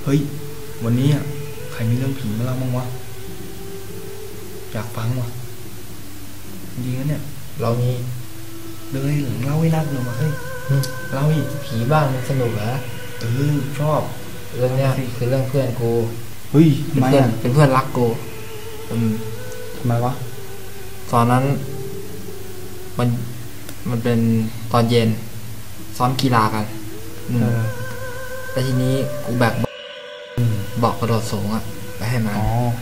เฮ้ยวันนี้ใครมีเรื่องผีมาเล่าบ้างวะอยากฟังวะจริงๆนะเนี่ยเรามีเลยเล่าให้นักเลยมาเฮ้ยเล่าอีกผีบ้านมันสนุกเหรอชอบเรื่องเนี้ยคือเรื่องเพื่อนกูเฮ้ยเป็นเพื่อนรักกูทำไมวะตอนนั้นมันเป็นตอนเย็นซ้อมกีฬากันแล้วทีนี้กูแบกบอกกระโดดสูงไปให้มัน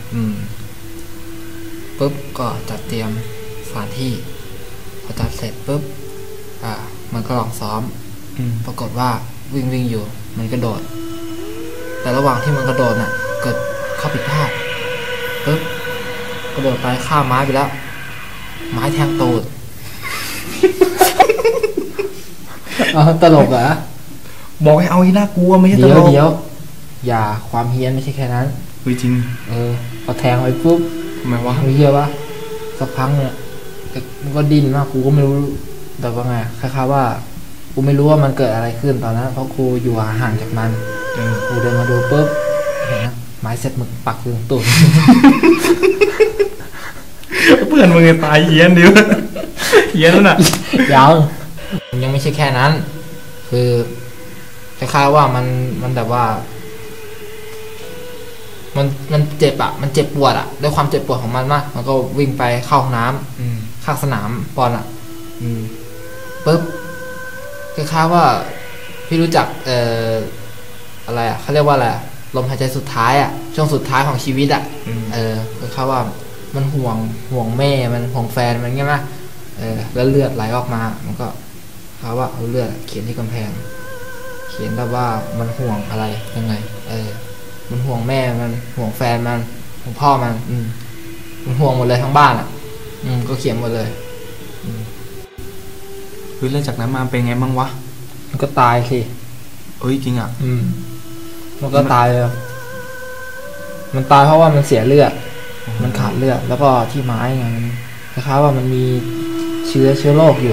ปุ๊บก็จัดเตรียมสถานที่พอจัดเสร็จปุ๊บมันก็ลองซ้อมปรากฏว่าวิ่งอยู่มันกระโดดแต่ระหว่างที่มันกระโดดเกิดข้อผิดพลาดปุ๊บกระโดดไปข้ามไม้ไปแล้วไม้แทงตูดตลกเหรอบอกให้เอาให้น่ากลัวไม่ใช่ตลกเดี๋ยวอย่าความเฮี้ยนไม่ใช่แค่นั้นจริงพอแทงไปปุ๊บทำไมวะไม่เฮี้ยวะสักพักเนี่ยมันก็ดิ้นมากกูก็ไม่รู้แต่ว่าไงคล้ายๆว่ากูไม่รู้ว่ามันเกิดอะไรขึ้นตอนนั้นเพราะกูอยู่ห่างจากมันกูเดินมาดูปุ๊บเห็นนะไม้เสร็จมึกปักอยู่ตรงตูดเพื่อนมึงตายเฮี้ยนดิวะเฮี้ยนแล้วน่ะยังไม่ใช่แค่นั้นคือคล้ายๆว่ามันแบบว่ามันเจ็บมันเจ็บปวดด้วยความเจ็บปวดของมันมากมันก็วิ่งไปเข้าห้องน้ำข้างสนามบอลปุ๊บคล้ายๆว่าพี่รู้จักอะไรเขาเรียกว่าอะไรลมหายใจสุดท้ายช่วงสุดท้ายของชีวิตคล้ายๆว่ามันห่วงแม่มันห่วงแฟนมันใช่ไหมแล้วเลือดไหลออกมามันก็เขาว่าเอาเลือดเขียนที่กำแพงเขียนแบบว่ามันห่วงอะไรยังไงมันห่วงแม่มันห่วงแฟนมันห่วงพ่อมันมันห่วงหมดเลยทั้งบ้านก็เขียนหมดเลยเรื่องจากนั้นมาเป็นไงบ้างวะมันก็ตายสิจริงมันก็ตายเลยมันตายเพราะว่ามันเสียเลือดมันขาดเลือดแล้วก็ที่ไม้ไงคล้ายๆว่ามันมีเชื้อโรคอยู่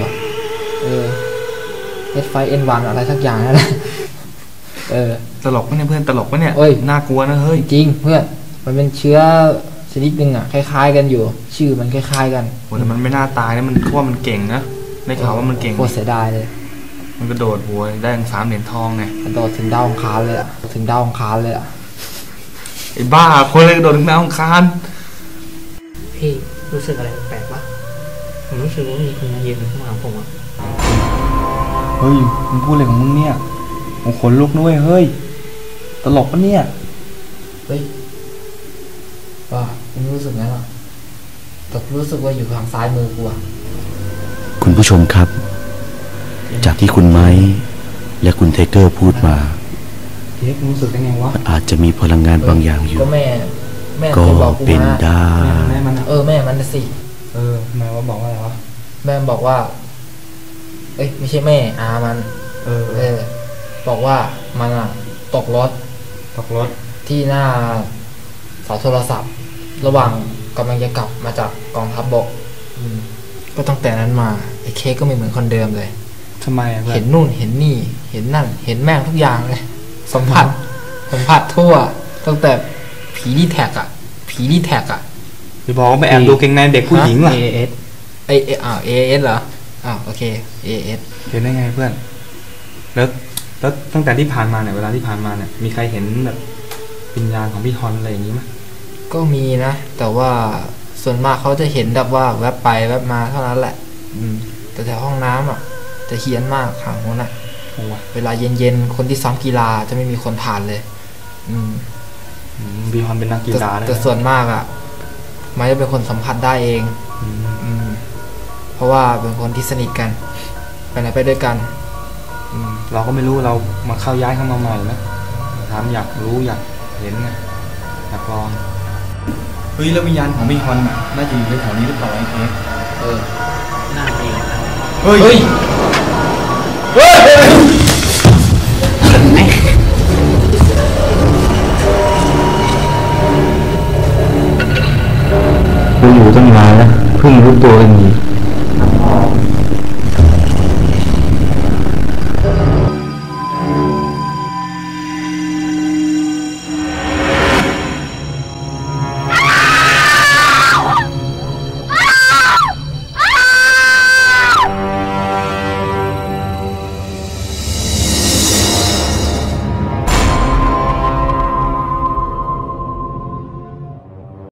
H5N1 อะไรสักอย่างนั่นแหละตลกปะเนี่ยเพื่อนตลกปะเนี่ยน่ากลัวนะเฮ้ยจริงเพื่อนมันเป็นเชื้อชนิดนึงคล้ายๆกันอยู่ชื่อมันคล้ายๆกันแต่มันไม่น่าตายนะมันเพราะมันเก่งนะได้ข่าวว่ามันเก่งโคตรเสียดายเลยมันกระโดดหัวได้ถึง3 เหรียญทองไงกระโดดถึงดาวอังคารเลยถึงดาวอังคารเลยไอ้บ้าคนเลยกระโดดถึงดาวอังคารพี่รู้สึกอะไรแปลกวะผมรู้สึกว่ามีคนมายืนข้างหลังผมเฮ้ยมึงพูดอะไรของมึงเนี่ยมึงขนลุกด้วยเฮ้ยตลกปะเนี่ยเฮ้ยผมรู้สึกงั้นหรอแต่รู้สึกว่าอยู่ทางซ้ายมือกูคุณผู้ชมครับจากที่คุณไม้และคุณไทเกอร์พูดมารู้สึกยังไงวะอาจจะมีพลังงานบางอย่างอยู่ก็เป็นได้แม่มันสิแม่ว่าบอกว่าอะไรวะแม่บอกว่าไม่ใช่แม่มันบอกว่ามันตกรถที่หน้าเสาโทรศัพท์ระหว่างกำลังจะกลับมาจากกองทัพบกก็ตั้งแต่นั้นมาไอ้เค้กก็ไม่เหมือนคนเดิมเลยทำไมเห็นนู่นเห็นนี่เห็นนั่นเห็นแม่งทุกอย่างเลยสัมผัสทั่วตั้งแต่ผีดีแท็กจะบอกว่าไปแอบดูเกงในเด็กผู้หญิงล่ะ AS AS เหรอโอเค AS เห็นได้ไงเพื่อนแล้วตั้งแต่ที่ผ่านมาเนี่ยเวลาที่ผ่านมาเนี่ยมีใครเห็นแบบวิญญาณของพี่ฮอนอะไรอย่างนี้ไหมก็มีนะแต่ว่าส่วนมากเขาจะเห็นแบบว่าแวบไปแวบมาเท่านั้นแหละแต่แถวห้องน้ำจะเฮี้ยนมากขังโน่นเวลาเย็นๆคนที่ซ้อมกีฬาจะไม่มีคนผ่านเลยพี่ฮอนเป็นนักกีฬาแต่ส่วนมากไม่ได้เป็นคนสัมผัสได้เองเพราะว่าเป็นคนที่สนิทกันไปไหนไปด้วยกันเราก็ไม่รู้เรามาเข้าย้ายเข้ามาใหม่นะถามอยากรู้อยากเห็นไงอยากลองเฮ้ยแล้ววิญญาณของพี่ฮอนน่าจะอยู่ในแถวนี้หรือเปล่าไอ้เค้กน่าจะอยู่เฮ้ยกูอยู่ตั้งนานแล้วเพิ่งรู้ตัวเอง